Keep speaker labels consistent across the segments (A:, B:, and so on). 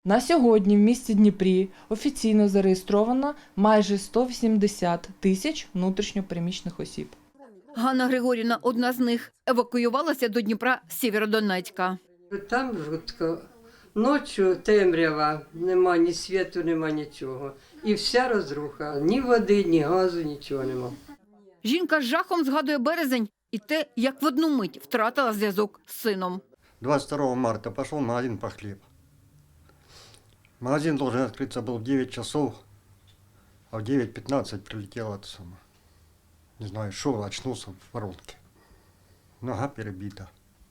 A: На сьогодні в місті Дніпрі офіційно зареєстровано майже 180 тисяч внутрішньо переміщених осіб.
B: Ганна Григорівна, одна з них, евакуювалася до Дніпра з Сєвєродонецька.
C: Там жутко. Ночі темрява, нема ні світу, нема нічого. І вся розруха. Ні води, ні газу, нічого нема.
B: Жінка з жахом згадує березень і те, як в одну мить втратила зв'язок з сином.
D: 22 марта пошел в магазин по хлеб. Магазин должен открыться был в 9 часов, а в 9:15 прилетела это самое. Не знаю, шел, очнулся в воронке. Нога перебита.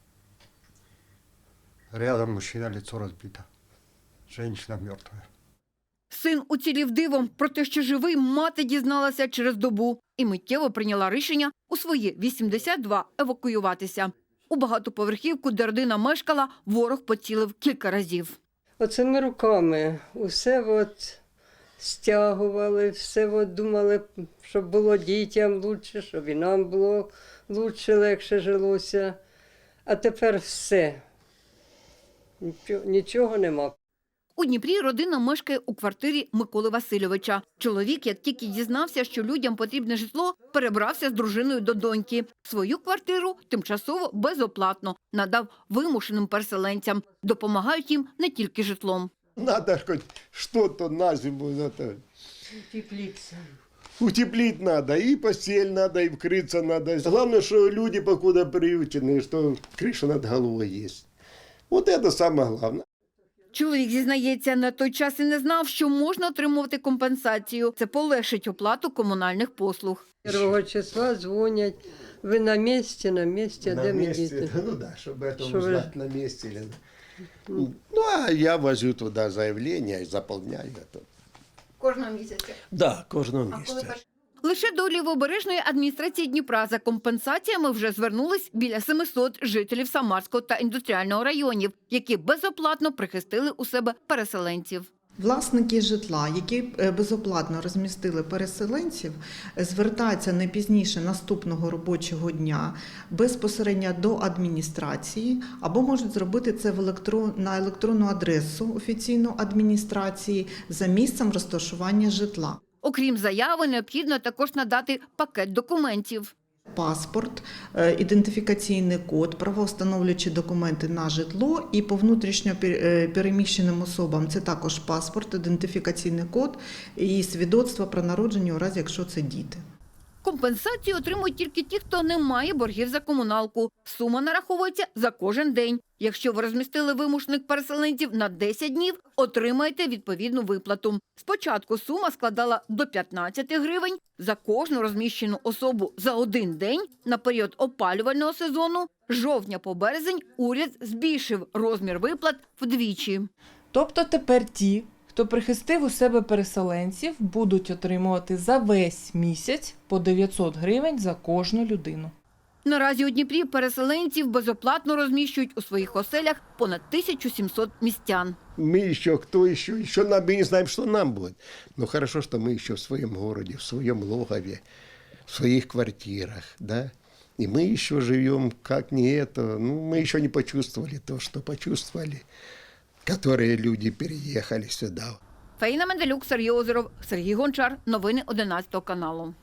D: Рядом мужчина, лицо разбито. Женщина мертвая.
B: Син уцілів дивом, про те, що живий, мати дізналася через добу і миттєво прийняла рішення у свої 82 евакуюватися. У багатоповерхівку, де родина мешкала, ворог поцілив кілька разів.
C: Оцими руками усе стягували, все думали, щоб було дітям краще, щоб і нам було краще, легше жилося. А тепер все. Нічого нема.
B: У Дніпрі родина мешкає у квартирі Миколи Васильовича. Чоловік, як тільки дізнався, що людям потрібне житло, перебрався з дружиною до доньки. Свою квартиру тимчасово безоплатно надав вимушеним переселенцям. Допомагають їм не тільки житлом.
E: Надо хоть что-то на зиму.
C: Утеплитися.
E: Утеплить надо, и постель надо, и вкрыться надо. Главное, что люди покуда приютены, что крыша над головой есть. Вот это самое главное.
B: Чоловік зізнається, на той час і не знав, що можна отримувати компенсацію. Це полегшить оплату комунальних послуг.
C: 1 числа дзвонять, ви на місці, а де ми діти?
E: Ну да, чтобы это
C: Что
E: узнать на месте. Ну, а я возю туда заявление и заполняю это.
B: Кожного місяця.
E: Да, кожного месяца.
B: Лише до Лівобережної адміністрації Дніпра за компенсаціями вже звернулись біля 700 жителів Самарського та індустріального районів, які безоплатно прихистили у себе переселенців.
F: Власники житла, які безоплатно розмістили переселенців, звертаються не пізніше наступного робочого дня безпосередньо до адміністрації або можуть зробити це на електронну адресу офіційної адміністрації за місцем розташування житла.
B: Окрім заяви, необхідно також надати пакет документів.
F: Паспорт, ідентифікаційний код, правовстановлюючі документи на житло і по внутрішньо переміщеним особам це також паспорт, ідентифікаційний код і свідоцтво про народження у разі, якщо це діти.
B: Компенсацію отримують тільки ті, хто не має боргів за комуналку. Сума нараховується за кожен день. Якщо ви розмістили вимушених переселенців на 10 днів, отримаєте відповідну виплату. Спочатку сума складала до 15 гривень за кожну розміщену особу за один день. На період опалювального сезону з жовтня по березень уряд збільшив розмір виплат вдвічі.
A: Тобто тепер ті, хто прихистив у себе переселенців, будуть отримувати за весь місяць по 900 гривень за кожну людину.
B: Наразі у Дніпрі переселенців безоплатно розміщують у своїх оселях понад 1700 містян.
E: Мы еще, кто еще нам, мы не знаем, что нам будет. Но хорошо, что мы еще в своем городе, в своем логове, в своих квартирах, да. И мы еще живем, как не это, ну, мы еще не почувствовали то, что почувствовали, которые люди переехали сюда.
B: Фаїна Менделюк, Сергій Озеров, Сергій Гончар. Новини 11 каналу.